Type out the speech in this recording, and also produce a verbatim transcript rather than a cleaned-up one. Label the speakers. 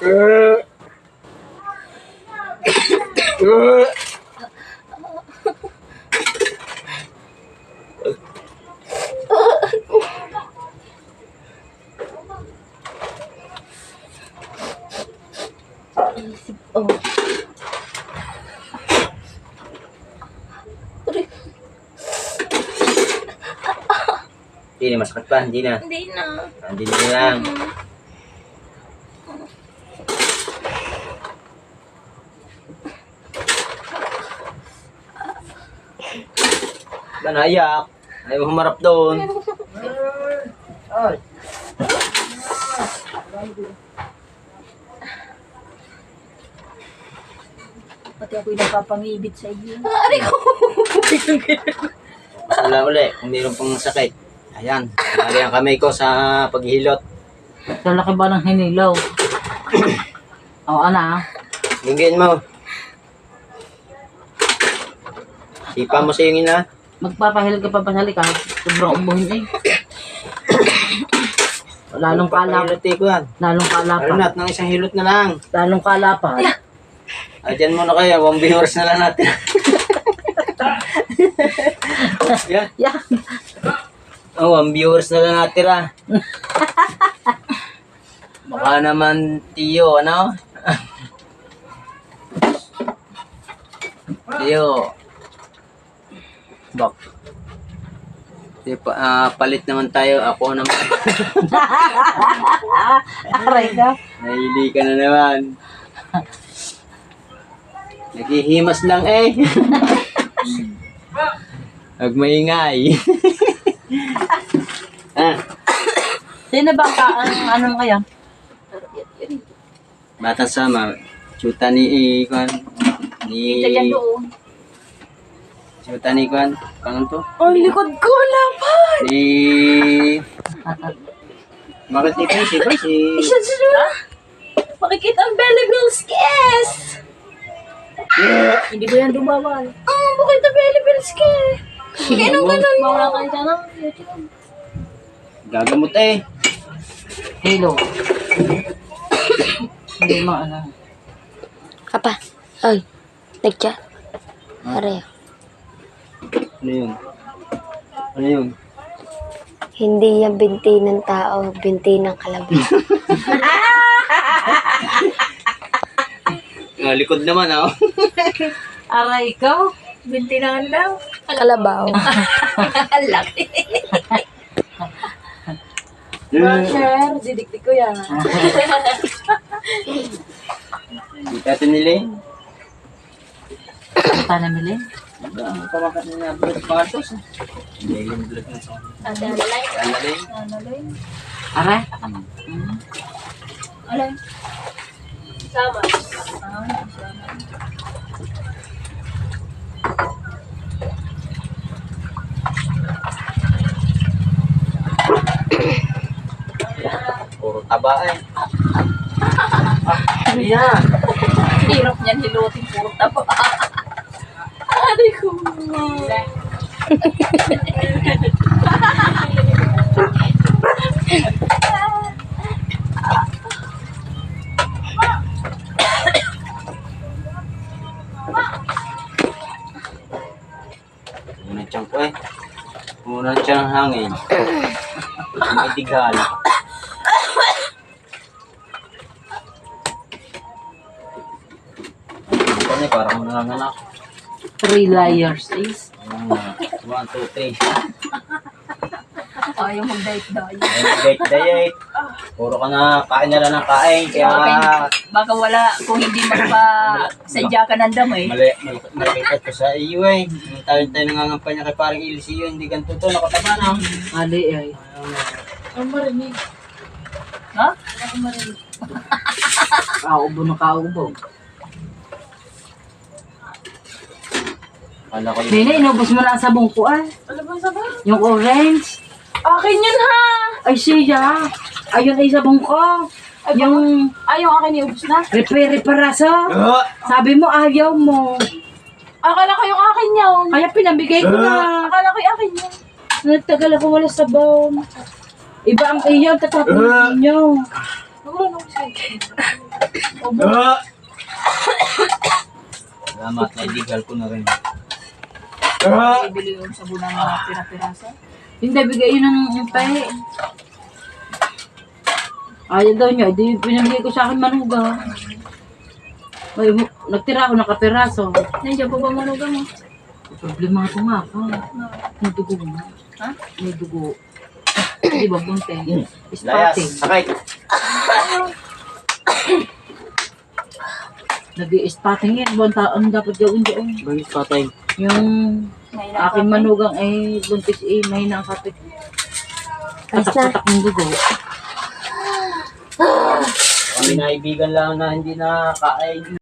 Speaker 1: Isip, oh.
Speaker 2: Hindi na, masakit pa, hindi na.
Speaker 1: Hindi na.
Speaker 2: Hindi na lang. Ba naiyak? Ayaw humarap doon. Ay.
Speaker 3: Pati ako'y napapangibit sa iyo.
Speaker 1: Ari ko.
Speaker 2: Wala uli, kung mayroon pang sakit. Ayan, nali ang kamay ko sa paghilot.
Speaker 3: Sa laki ba ng hinilaw? O, ana.
Speaker 2: Lingin mo. Sipa mo sa yung ina.
Speaker 3: Magpapahil ka pa pasali ka. Sobrang ubuhin eh. Lalong kalap.
Speaker 2: Hilot eh ko yan.
Speaker 3: Lalong kalapa.
Speaker 2: Arnat, ng isang hilot na lang.
Speaker 3: Lalong kalapa.
Speaker 2: Ayan muna kayo, one viewers na lang natin. Yan.
Speaker 3: Yeah.
Speaker 2: Oh, one viewers na lang natin ah. Baka naman Tiyo, ano? Tiyo. Bak. Di pa, ah, palit naman tayo. Ako naman.
Speaker 3: Aray ka.
Speaker 2: Nahili ka na naman. Naghihimas lang eh. Huwag maingay. ah,
Speaker 3: Sino ba ka? Ang anong kaya?
Speaker 2: bata sama. Chuta ni Ikwan. Ni...
Speaker 3: Kita yan doon.
Speaker 2: Chuta ni Ikwan. Pangan to?
Speaker 1: Ang likod ko laban.
Speaker 2: Si... Bakit ni Kwan? Si Kwan? Si...
Speaker 1: Isa sa makikita ang belly bills kiss.
Speaker 3: Hindi ko yan dumawal.
Speaker 1: Ah, bakit ang belly bills kiss? Kaya nang ganun mo.
Speaker 3: Mawala kayo dyan ng YouTube.
Speaker 2: Gagamot eh.
Speaker 3: Hello. Hindi mo ano.
Speaker 1: Apa? Ay, nagchat. Are.
Speaker 2: Ano yun? Ano yun?
Speaker 1: Hindi yan binti ng tao, binti ng kalabaw.
Speaker 2: Ah, likod naman ah.
Speaker 3: Aray ikaw. Binti na daw.
Speaker 1: Kalabaw.
Speaker 3: Ang laki.
Speaker 2: Hmm.
Speaker 3: Didikdik ko yan.
Speaker 2: Di tayo nila eh.
Speaker 3: Ito na mili.
Speaker 2: Ang pamakat na blood partos. Hindi yung blood na sa
Speaker 1: Ada lalay.
Speaker 2: Alaling.
Speaker 3: Aray.
Speaker 2: Hmm.
Speaker 1: Alay. Sama.
Speaker 2: Puro taba eh. Ah, yan.
Speaker 3: Hirap niyan hilutin puro taba. Aray ko.
Speaker 2: Muna tiyang ko eh. Muna tiyang hangin. May tigal. Ano eh, parang nanganganak.
Speaker 3: Three layers is.
Speaker 2: One, two, three.
Speaker 3: Ayaw mag-diet-diet.
Speaker 2: Diet, diet. Puro ka na, kain na lang ng kain. Kaya,
Speaker 3: Baka wala, kung hindi magpa-sadya ka ng damo eh.
Speaker 2: mali, mali, malikat ko sa iyo eh. Yung tayo-tayo nangangampanya kay parang Ilisiyo, hindi ganito to, nakataba na.
Speaker 3: Ali ay.
Speaker 1: Ang marinig.
Speaker 3: Ha? Ako marinig. Kaubo na kaubo.
Speaker 2: Kala ko yung...
Speaker 3: Nina, inubos mo na ang sabong ko ah.
Speaker 1: Ano ba sabay?
Speaker 3: Yung orange.
Speaker 1: Akin yun ha!
Speaker 3: Ay siya. Ayun ay sabong ko. Yung
Speaker 1: Ay, yung akin iubos na.
Speaker 3: repair-reparaso.
Speaker 2: Ah!
Speaker 3: Sabi mo ayaw mo.
Speaker 1: Akala ko yung akin yun.
Speaker 3: Kaya pinabigay ko na.
Speaker 1: Akala ko yung akin yun.
Speaker 3: Nagtagal ako wala sabon. Iba ang iyaw, tatapon niyo.
Speaker 1: Wala na ako sa'yo.
Speaker 2: Ah! Salamat, naidigal ko na rin. Ah!
Speaker 3: Ibili yung sabon ng mga pira-pirasa. Hindi, bigay yun ng tahi. Ayaw daw niya, di pinamigay ko sa akin manuga. Ay, nagtira ako ng kapiraso.
Speaker 4: Nandiyan po ba manuga mo?
Speaker 3: Problema ko nga ako. May dugo mo.
Speaker 4: Ha?
Speaker 3: May dugo. Di ba, bunte?
Speaker 2: Layas,
Speaker 3: Spotting.
Speaker 2: sakay.
Speaker 3: Nag-i-spotting yan. Buwan taon dapat gawin doon.
Speaker 2: Bagay patay.
Speaker 3: Yung
Speaker 4: Ngayon
Speaker 3: aking manugang ay buntis eh, mahina ang kapit.
Speaker 1: Ayos na.
Speaker 3: Patak-patak ng dugo.
Speaker 2: Kami naibigan lang na hindi nakakain.